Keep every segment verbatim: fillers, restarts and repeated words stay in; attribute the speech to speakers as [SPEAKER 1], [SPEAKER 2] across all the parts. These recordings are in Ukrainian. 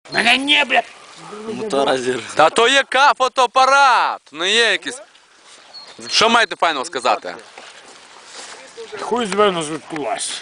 [SPEAKER 1] Мене не, блядь.
[SPEAKER 2] Мотора зір.
[SPEAKER 3] Та то є ка- фотоапарат, не є якийсь. Що маєте файного сказати?
[SPEAKER 1] Хуй з мене звідкулась.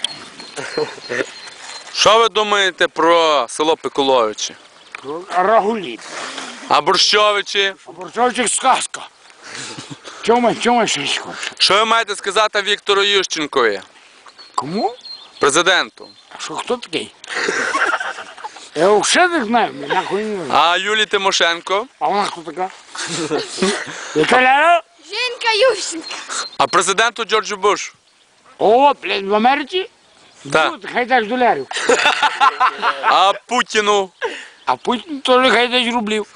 [SPEAKER 3] Що ви думаєте про село Пиколовичі?
[SPEAKER 1] Рагуліт.
[SPEAKER 3] А Борщовичі?
[SPEAKER 1] А Борчовчик сказка. Чому, чому ще ще хочеш?
[SPEAKER 3] Що ви маєте сказати Віктору Ющенкові,
[SPEAKER 1] Кому?
[SPEAKER 3] президенту?
[SPEAKER 1] А що, хто такий? Я взагалі не знаю, мене нахуй не знаю.
[SPEAKER 3] А Юлії Тимошенко?
[SPEAKER 1] А вона хто така? Яка ляля?
[SPEAKER 4] Женька Ющенко.
[SPEAKER 3] А президенту Джорджу Бушу?
[SPEAKER 1] О, блядь, в Америці?
[SPEAKER 3] Так.
[SPEAKER 1] Ну, хай дасть долярів.
[SPEAKER 3] А Путіну?
[SPEAKER 1] А Путін теж хай дасть рублів.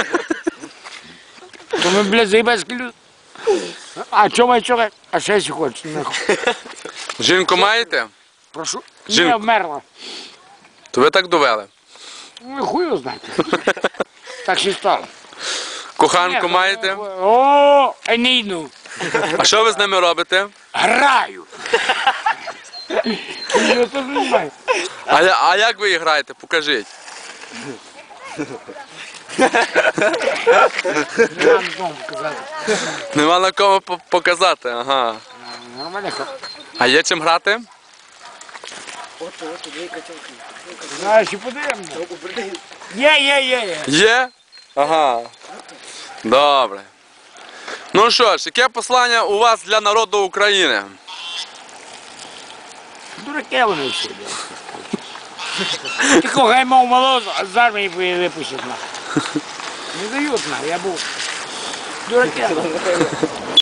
[SPEAKER 1] То ми, блядь, заїбацькі люди. А чому, чого? А ще ще хочеш, нахуй.
[SPEAKER 3] Жінку маєте?
[SPEAKER 1] Прошу.
[SPEAKER 3] Жінку.
[SPEAKER 1] Не вмерла.
[SPEAKER 3] То ви так довели.
[SPEAKER 1] Ну, хуй його знаєте. Так ще стало.
[SPEAKER 3] Коханку
[SPEAKER 1] Ні,
[SPEAKER 3] маєте?
[SPEAKER 1] О, а не йду.
[SPEAKER 3] А що ви з ними робите?
[SPEAKER 1] Граю. Я теж не знаю.
[SPEAKER 3] А, я- а як ви її граєте? Покажіть.
[SPEAKER 1] Не вам дому казати.
[SPEAKER 3] Нема на кому по- показати, ага.
[SPEAKER 1] Нормально.
[SPEAKER 3] А є чим грати?
[SPEAKER 1] Знаєш, і подивимося. Є, є, є, є.
[SPEAKER 3] Є? Ага. Добре. Ну що ж, яке послання у вас для народу України?
[SPEAKER 1] Дураки вони всі. Тільки хай мав молозу, а з армії випустять нахуй. Не дають нахуй, я був. Дураки.